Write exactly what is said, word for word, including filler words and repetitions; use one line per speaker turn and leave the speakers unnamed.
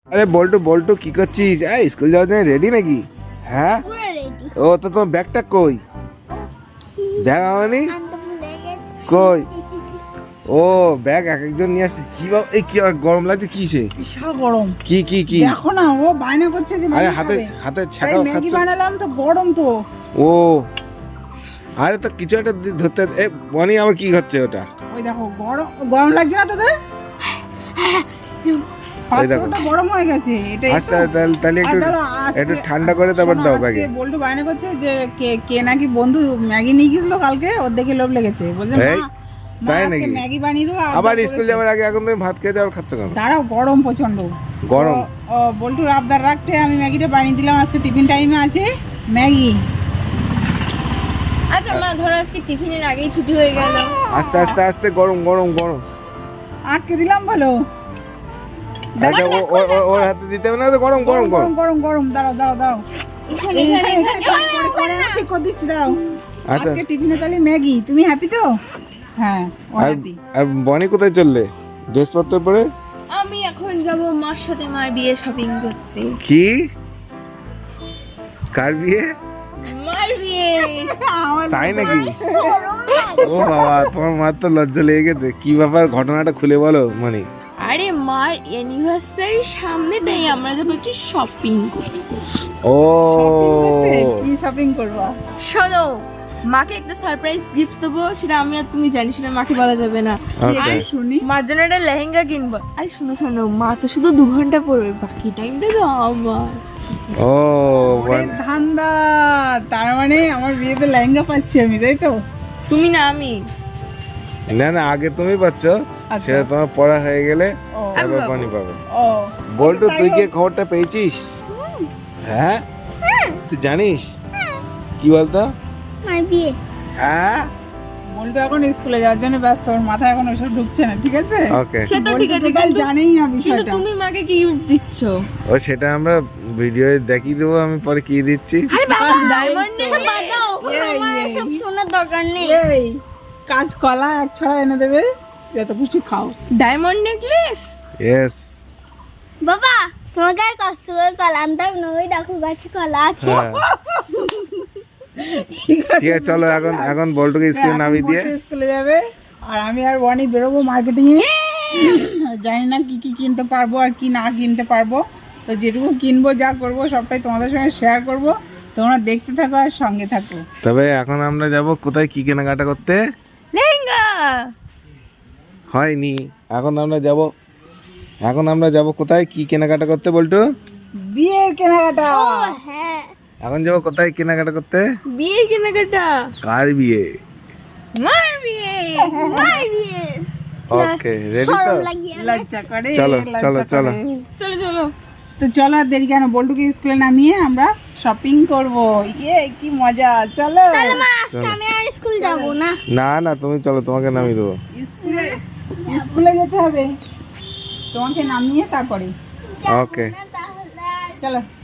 আরে বল্টু বল্টু কি করছিস? এই স্কুল যাওয়ার জন্য রেডি নাকি? হ্যাঁ ও তো তোমার ব্যাগটা কই? দেখ আমানি কই? ও ব্যাগ এক একজন নিয়ে আসছে। কি বাবা এই কি গরম লাগছে কিসে?
বিশাল গরম।
কি কি কি
দেখো না ও বায়না করছে যে
আরে হাতে হাতে ছাকা খাচ্ছে।
ম্যাগি বানালাম তো গরম তো।
ও আরে তো কিছু একটা ধরতে এ বনি আমার কি হচ্ছে ওটা?
ওই দেখো গরম গরম লাগছে না তোদের? পাত্রটা গরম হয়ে গেছে। এটাই
আস্তে তাহলে একটু একটু ঠান্ডা করে তারপর দাও ব্যাগে।
বল্টু বায়না করছে যে কে কে নাকি বন্ধু ম্যাগি নিয়ে গেছিল কালকে, ওর দেখে লোভ লেগেছে। বলছে মা
তাই নাকি?
ম্যাগি বানিয়ে দেবো।
আবার স্কুল যাওয়ার আগে এখন তুমি ভাত খেতে আর খাচ্ছ কেন?
দাঁড়াও গরম প্রচন্ড
গরম।
ও বল্টুর আবদার রাখতে আমি ম্যাগিটা বানিয়ে দিলাম। আজকে টিফিন টাইমে আছে ম্যাগি।
আচ্ছা মা ধরো আজকে টিফিনের আগেই ছুটি হয়ে গেল।
আস্তে আস্তে আস্তে গরম গরম গরম
আটকে দিলাম বলো।
আচ্ছা ওর হাতে দিতে হবে না তো? গরম গরম গরম
গরম গরম দাঁড়াও দাঁড়াও দাঁড়াও
এখানে
এখানে
এখানে
এখানে করে ঠিক করে দিচ্ছি দাঁড়াও।
আচ্ছা
আজকে টিফিনে তাহলে ম্যাগি। তুমি হ্যাপি তো? হ্যাঁ ও
আর
হ্যাপি।
আর বনি কোথায় চললে ড্রেস পত্র পরে?
আমি এখন যাব মার সাথে মার বিয়ে শপিং করতে।
কি কার বিয়ে?
মার বিয়ে।
তাই নাকি? ও বাবা তোমার মার তো লজ্জা লেগে গেছে। কি ব্যাপার ঘটনাটা খুলে বলো মানে।
আরে মার অ্যানিভার্সারির সামনে তাই আমরা যাবো একটু শপিং করতে।
ও
কি শপিং করবা?
শোনো মাকে একটা সারপ্রাইজ গিফট দেবো, সেটা আমি আর তুমি জানি, সেটা মাকে বলা যাবে না।
ওকে
আর
শুনি
মার জন্য একটা লেহেঙ্গা কিনবো। আরে শোনো শোনো মা তো শুধু দু ঘন্টা পড়বে, বাকি টাইমটা তো আমার।
ও
ওরে ধান্দা, তার মানে আমার বিয়েতে লেহেঙ্গা পাচ্ছি আমি, তাই তো?
তুমি না আমি।
না না আগে তুমি পাচ্ছ, সেটা তোমার পড়া হয়ে গেলে তারপর বনি পাবে।
ও
বল্টু তুই কি খবরটা পেয়েছিস? হ্যাঁ তুই জানিস কি বলতো?
মার বিয়ে।
হ্যাঁ
বল্টু এখন স্কুলে যাওয়ার জন্য ব্যস্ত, ওর মাথায় এখন ওসব ঢুকছে না, ঠিক আছে?
ওকে
সে তো ঠিক আছে,
বল্টু
কিন্তু
জানেই না
কিন্তু
বিষয়টা।
তুমি মাকে কি গিফট দিচ্ছ?
ও সেটা আমরা ভিডিওয়ে দেখিয়ে দেবো আমি পরে কি দিচ্ছি।
আরে বাবা ডায়মন্ড নেকলেস দাও,
এই,
আমার
এই।
সব সোনার দরকার নেই।
এই কাজ কলা এক ছড়া এনে দেবে, যত খুশি খাও।
Diamond necklace.
ইয়েস
বাবা তোমাকে আর কষ্ট করে কলা আনতাম না, ওই দেখো গাছে কলা আছে।
হ্যাঁ
ঠিক আছে
ঠিক আছে চলো এখন এখন বল্টুকে স্কুলে নামিয়ে দিয়ে
বল্টু স্কুলে যাবে আর আমি আর বনি বেরোবো মার্কেটিং এ। জানি না কি কি কিনতে পারবো আর কি না কিনতে পারবো, তো যেটুকু কিনবো যা করবো সবটাই তোমাদের সঙ্গে শেয়ার করবো। তোমরা দেখতে থাকো আর সঙ্গে থাকো।
তবে এখন আমরা যাব কোথায় কি কেনাকাটা করতে?
লেহেঙ্গা।
হয়নি এখন আমরা যাব এখন আমরা যাব কোথায় কি কেনাকাটা করতে বল্টু?
বিয়ের কেনাকাটা।
হ্যাঁ
এখন যাব কোথায় কেনাকাটা করতে?
বিয়ে কেনাকাটা।
কার বিয়ে?
মার বিয়ে।
মার বিয়ে।
ওকে রেডি তো?
শরম লাগিয়ে
লজ্জা করে
চলো,
লজ্জা
চলো,
করে।
চলো।
চলো চলো।
তো চলো আর দেরি কেন, বল্টুকে স্কুলে নামিয়ে আমরা শপিং করবো। ইয়ে কি মজা, চলো।
তাহলে মা আজকে আমি আর স্কুল যাব না।
না না তুমি চলো তোমাকে নামিয়ে দেবো।
স্কুলে স্কুলে যেতে হবে, তোমাকে নামিয়ে তারপরে
ওকে
তাহলে আর
চলো।